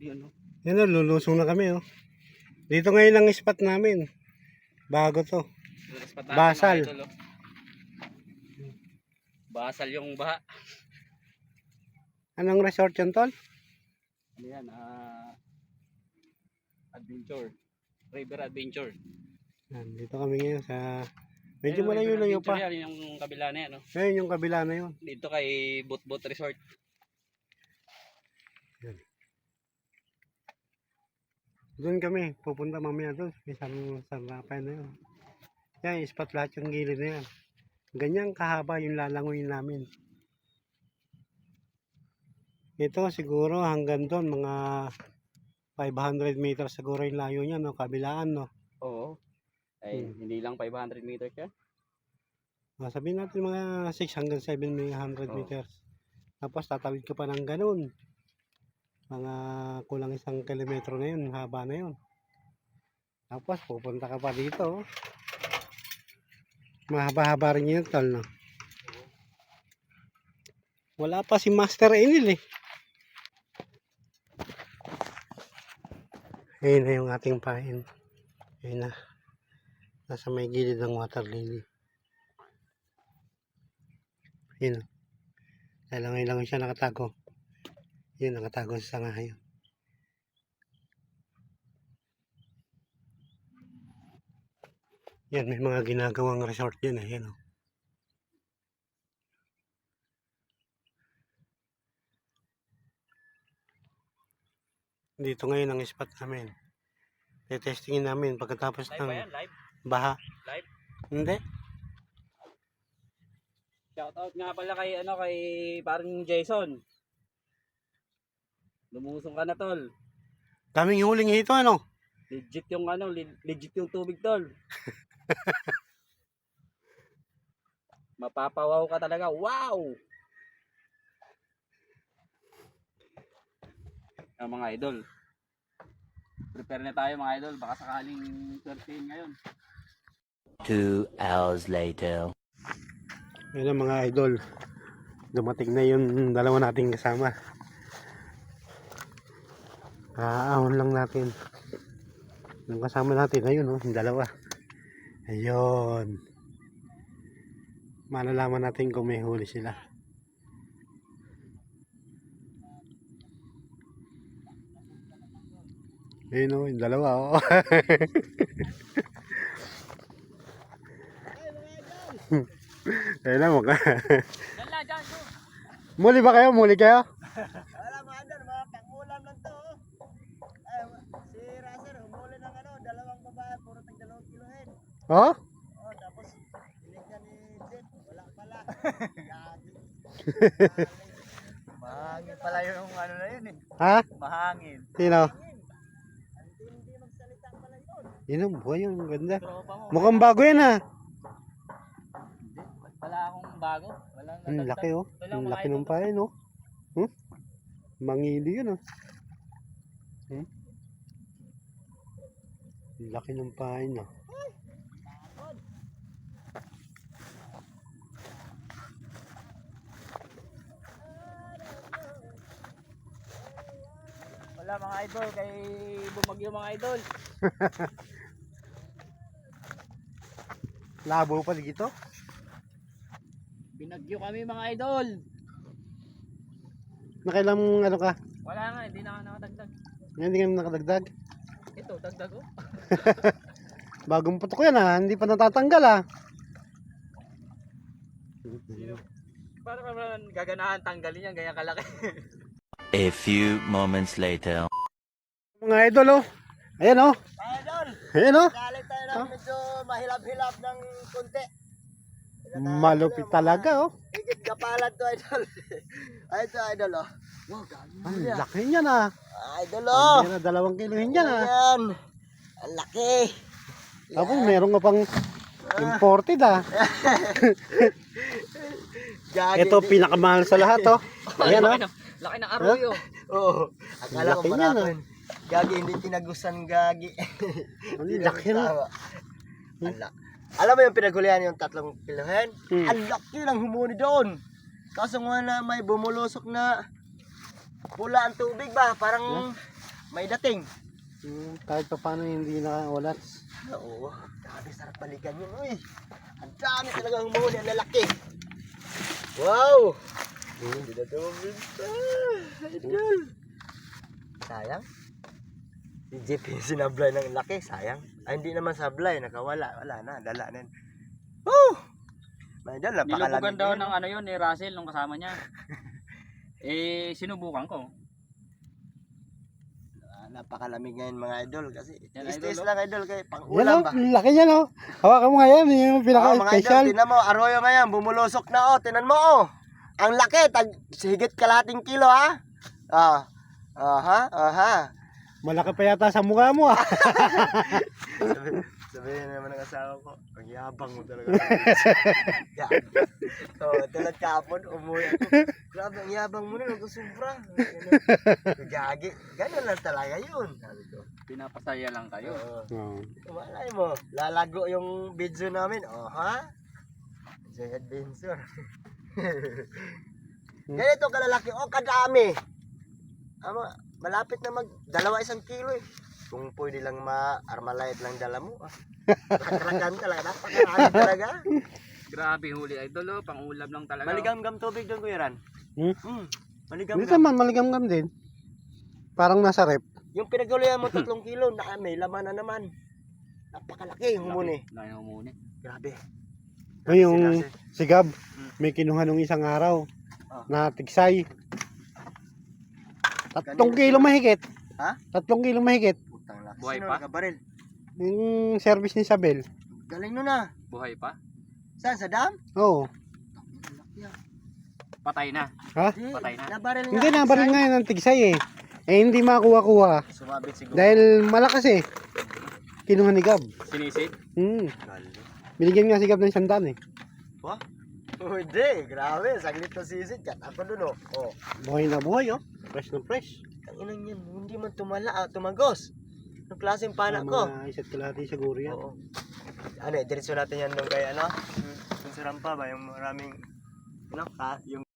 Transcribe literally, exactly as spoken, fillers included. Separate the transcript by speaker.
Speaker 1: Yun, oh.
Speaker 2: Yan o, lulusong na kami oh. Dito ngayon ang spot namin. Bago to. Basal.
Speaker 1: Idol, oh. Basal yung baha.
Speaker 2: Anong resort yun, tol?
Speaker 1: Ano yan? Uh, adventure. River Adventure.
Speaker 2: Yan, dito kami ngayon sa... Medyo
Speaker 1: Ayun,
Speaker 2: malayo-layo
Speaker 1: River
Speaker 2: pa.
Speaker 1: Adventure yan, yung kabila na yan. Oh.
Speaker 2: Ayun yung kabila na yun.
Speaker 1: Dito kay Boat Boat Resort.
Speaker 2: Yan. Doon kami, pupunta mamaya doon. Isang sarapan na yun. Yan, spot lahat yung gilid na yan. Ganyan kahaba yung lalangoyin namin. Ito siguro hanggang doon, mga five hundred meters siguro yung layo niya, no? Kabilaan, no?
Speaker 1: Oo. Ay,
Speaker 2: Hmm.
Speaker 1: hindi lang five hundred meters yan.
Speaker 2: Ah, sabihin natin mga six hanggang seven hundred
Speaker 1: Oo.
Speaker 2: meters. Tapos tatawid ka pa ng ganun. Mga kulang isang kilometro na yun, haba na yun. Tapos pupunta ka pa dito. Mahaba-haba rin yun, tol, no? Wala pa si Master Enil eh. Ayun na yung ating pain. Ayun na. Nasa may gilid ng water lily. Ayun o. Dahil ngayon lang siya nakatago. Yun, nakatago sa sanga yun. Yan, may mga ginagawang resort yun eh. Yan o. Dito ngayon ang spot namin. Tetestingin namin pagkatapos
Speaker 1: Live
Speaker 2: ng
Speaker 1: ba yan? Live?
Speaker 2: baha.
Speaker 1: Live?
Speaker 2: Hindi.
Speaker 1: Shoutout nga pala kay ano kay parang Jason. Lumusong ka na, tol.
Speaker 2: Daming huling hito, ano?
Speaker 1: Legit yung ano, le- legit yung tubig, tol. Mapapawaw ka talaga. Wow! Ah, mga idol. Prepare na tayo mga idol. Baka sakaling thirteen ngayon.
Speaker 3: Two hours later.
Speaker 2: Yun ang mga idol. Dumating na yung dalawa nating kasama. Aahon lang natin. Yung kasama natin, ayun oh, yung dalawa. Ayun. Malalaman natin kung may huli sila. Ayun oh, yung dalawa oh. Ayun na mukha. Muli ba kayo? Muli kayo?
Speaker 4: Wala mga idol, mga pangulam lang to. Ay, si Razer, humuli ng ano, dalawang babae, puro tag dalawang kilohen.
Speaker 2: Oh?
Speaker 4: Oh, tapos, binigyan ni Jet, wala pala. Gagi. Mahangin pala yung ano na yun eh.
Speaker 2: Ha?
Speaker 4: Mahangin.
Speaker 2: Sino?
Speaker 4: Ang hindi magsalita pala yun.
Speaker 2: Yun ang buhay yung ganda.
Speaker 1: Tropa mo.
Speaker 2: Mukhang bago yan ha.
Speaker 1: Hindi. Wala akong bago. Walang
Speaker 2: Ang
Speaker 1: nadagdag.
Speaker 2: laki oh.
Speaker 1: Ito lang,
Speaker 2: Ang
Speaker 1: mga
Speaker 2: laki
Speaker 1: idol.
Speaker 2: ng pain oh. Hmm? Mangili yun oh. Hmm? Ang laki ng pain oh.
Speaker 1: Wala mga idol. Kay bumagyo mga idol.
Speaker 2: Labo pa dito.
Speaker 1: Binagyo kami mga idol.
Speaker 2: Nakailang ano ka?
Speaker 1: Wala nga. Hindi na nga nakadagdag.
Speaker 2: Hindi ka nakadagdag.
Speaker 1: Ito, dagdag oh.
Speaker 2: Bagong putok yan ha. Hindi pa natatanggal ha.
Speaker 1: Paano ka naman gaganahan tanggalin yan? Ganyan kalaki.
Speaker 3: A few moments later.
Speaker 2: Mga idol oh. Ayan oh.
Speaker 4: Mga idol,
Speaker 2: Ayan oh.
Speaker 4: galing tayo ng medyo mahilap-hilap ng konti.
Speaker 2: Malupit talaga oh.
Speaker 4: Higit kapalan to idol. Ay, ito idol oh. Wow, galing.
Speaker 2: Ang laki niyan ah.
Speaker 4: Idol oh.
Speaker 2: Meron na dalawang kilohin yan ah.
Speaker 4: Ayan. Ang laki.
Speaker 2: Tapos meron ka pang imported ah.
Speaker 4: Gagi.
Speaker 2: Ito pinakamahal sa lahat oh. Ayan oh.
Speaker 1: Laki ng arroyo.
Speaker 4: Oo. Akala ko
Speaker 2: Laki niyan,
Speaker 4: marami. Gagi, hindi tinagusan gagi.
Speaker 2: Ang laki na.
Speaker 4: Tama. Ala. Alam mo yung pinagulihan yung tatlong kilohen?
Speaker 2: Hmm.
Speaker 4: Ang laki ng humuni doon. Kaso nga na may bumulusok na pula ang tubig ba? Parang may dating.
Speaker 2: Hmm, kahit pa paano hindi naka-olats.
Speaker 4: Oo, grabe sarap balikan yun. Uy, ang dami talaga humuli ang lalaki. Wow! Hindi na ito mabinta. Idol. Sayang. Si J P sinablay ng laki, sayang. Ay, hindi naman sablay, nakawala. Wala na, dala na. yun. Woo! May idol,
Speaker 1: Nilubugan
Speaker 4: napakalamig
Speaker 1: daw
Speaker 4: yun,
Speaker 1: ng
Speaker 4: no?
Speaker 1: ano yun ni Russell nung kasama niya. Eh, sinubukan ko.
Speaker 4: Ah, napakalamig ngayon mga idol kasi
Speaker 1: Yan,
Speaker 4: stress
Speaker 1: idol, oh.
Speaker 4: lang idol kay pang
Speaker 2: Yan
Speaker 4: ulam
Speaker 2: o,
Speaker 4: ba?
Speaker 2: laki yan o. Hawakan mo nga yan, yung
Speaker 4: Oh, mga idol,
Speaker 2: pinaka-special.
Speaker 4: tinan mo, arroyo ngayon, bumulusok na oh, tinan mo oh. Ang laki, tag higit kalahating kilo ha. Ah. Aha, aha.
Speaker 2: Malaki pa yata sa mukha mo ah.
Speaker 4: Sabi, sabihin naman ng asawa ko, ang yabang mo talaga. Yeah. So, tulad kahapon, umuwi ako. Grabe, ang yabang mo na, nagkusubra. Gagi, ganyan lang talaga yun. Sabi ko.
Speaker 1: Pinapasaya lang kayo.
Speaker 4: Oo.
Speaker 2: Oo.
Speaker 4: Malay mo, lalago yung video namin. Oh, ha? Joy Adventure. Ganito kalalaki, oh, kadami. Ama, malapit na mag dalawa isang kilo eh. Kung pwede lang ma-armalite lang dala mo. Ah. Napakaragam talaga, napakarami talaga.
Speaker 1: Grabe huli idol oh, pang-ulam lang talaga.
Speaker 4: Maligam-gam tubig doon, Kuya Ran.
Speaker 2: Hmm?
Speaker 4: Hmm,
Speaker 2: Hindi
Speaker 4: maligam-gam.
Speaker 2: naman, maligam-gam din. Parang nasa rep.
Speaker 4: Yung pinaguluyan mo tatlong kilo, na may laman na naman. Napakalaki yung humuni.
Speaker 1: Na yung humuni.
Speaker 4: Grabe.
Speaker 2: Ay, yung
Speaker 4: Sila-
Speaker 2: si Gab, may kinuha nung isang araw
Speaker 4: Oh.
Speaker 2: na tigsay. Tatlong
Speaker 4: Kanina
Speaker 2: kilo
Speaker 4: sila-
Speaker 2: mahigit.
Speaker 4: Ha?
Speaker 2: Tatlong kilo mahigit.
Speaker 4: Putang laki.
Speaker 1: Buhay
Speaker 4: Sino
Speaker 1: pa?
Speaker 4: nakabaril?
Speaker 2: Yung service ni Isabel.
Speaker 4: Galing nun ah.
Speaker 1: Buhay pa?
Speaker 4: Saan? Sa dam?
Speaker 2: Oo.
Speaker 1: Patay na.
Speaker 2: Ha?
Speaker 4: Di,
Speaker 1: Patay na.
Speaker 4: nabaril nga.
Speaker 2: Hindi na, baril nga yun ang tigsay eh. Eh, hindi makuha-kuha.
Speaker 4: Sumabit siguro.
Speaker 2: Dahil malakas eh. Kinuha ni Gab.
Speaker 1: Sinisid.
Speaker 2: Hmm.
Speaker 4: Galing.
Speaker 2: Binigyan nga si Gab ng sandaan eh.
Speaker 4: Wah? Hindi, grabe. Saglit na sisid. Kat ako dun oh. Oh.
Speaker 2: Buhay na buhay oh. Fresh na fresh.
Speaker 4: Ang inang yan. Hindi man tumala, ah, tumagos. Ang klaseng panak ko.
Speaker 2: Mga isa't kalahati siguro yan.
Speaker 4: Oo. Ano eh, diretso natin yan nung kay ano? Yung sa rampa ba? Yung maraming, ano, ka, yung